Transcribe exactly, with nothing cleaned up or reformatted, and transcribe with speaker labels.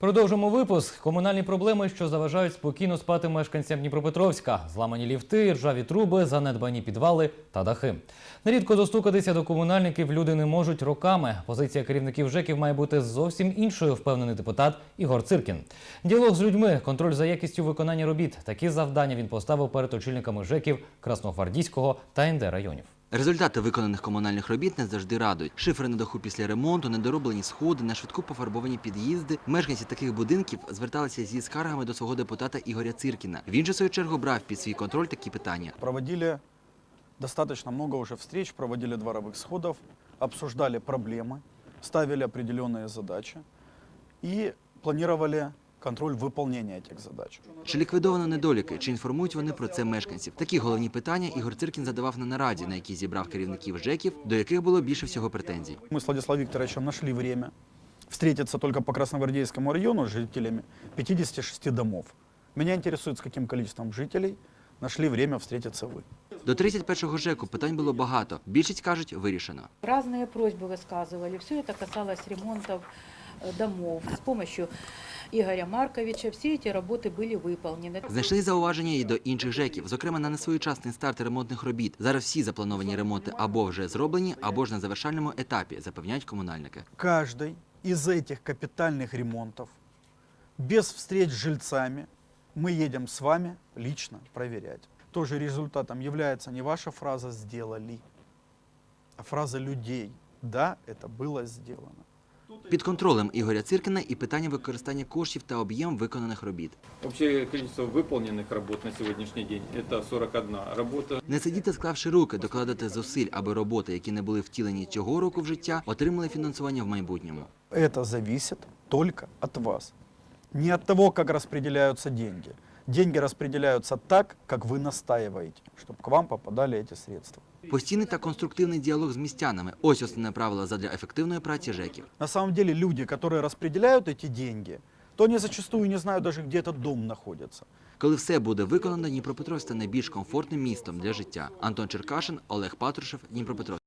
Speaker 1: Продовжимо випуск. Комунальні проблеми, що заважають спокійно спати мешканцям Дніпропетровська. Зламані ліфти, ржаві труби, занедбані підвали та дахи. Нерідко достукатися до комунальників люди не можуть роками. Позиція керівників ЖЕКів має бути зовсім іншою, впевнений депутат Ігор Циркін. Діалог з людьми, контроль за якістю виконання робіт. Такі завдання він поставив перед очільниками ЖЕКів Красногвардійського та ен де районів.
Speaker 2: Результати виконаних комунальних робіт не завжди радують. Шифри на даху після ремонту, недороблені сходи, на швидку пофарбовані під'їзди. Мешканці таких будинків зверталися зі скаргами до свого депутата Ігоря Циркіна. Він же, в свою чергу, брав під свій контроль такі питання.
Speaker 3: Проводили достаточно много уже встреч, проводили дворовых сходов, обсуждали проблемы, ставили определенные задачи и планировали контроль виконання цих задач.
Speaker 2: Чи ліквідовано недоліки, чи інформують вони про це мешканців? Такі головні питання Ігор Циркін задавав на нараді, на якій зібрав керівників ЖЕКів, до яких було більше всього претензій.
Speaker 3: Ми з Владиславом Вікторовичем знайшли время встретиться только по Красногвардейскому району с жителями пятидесяти шести домов. Меня интересует, с каким количеством жителей нашли время встретиться вы.
Speaker 2: До тридцять першого ЖЕКу питань було багато. Більшість, кажуть, вирішено.
Speaker 4: Разные просьбы высказывали. Все это касалось ремонтов домов. С помощью Игоря Марковича все эти работы были выполнены.
Speaker 2: Знайшли зауваження і до інших ЖЕКів, зокрема на несвоєчасний старт ремонтних робіт. Зараз всі заплановані ремонти або вже зроблені, або ж на завершальному етапі, запевняють комунальники.
Speaker 3: Каждый из этих капитальных ремонтов без встреч с жильцами мы едем с вами лично проверять. Тоже результатом является не ваша фраза «сделали», а фраза людей «да, это было сделано».
Speaker 2: Під контролем Ігоря Циркіна і питання використання коштів та об'єм виконаних робіт.
Speaker 5: Общее количество выполненных работ на сегодняшний день – это сорок одна работа.
Speaker 2: Не сидіти, склавши руки, докладати зусиль, аби роботи, які не були втілені цього року в життя, отримали фінансування в майбутньому.
Speaker 3: Это зависит только от вас. Не от того, как распределяются деньги. Деньги распределяются так, как вы настаиваете, чтобы к вам попадали эти средства.
Speaker 2: Постійний та конструктивний діалог з містянами – ось основне правило задля ефективної праці ЖЕКів.
Speaker 3: На самом деле люди, которые распределяют эти деньги, то они зачастую не знают даже, где этот дом находится.
Speaker 2: Коли все буде виконано, Дніпропетровськ стане більш комфортним містом для життя. Антон Черкашин, Олег Патрушев, Дніпропетровськ.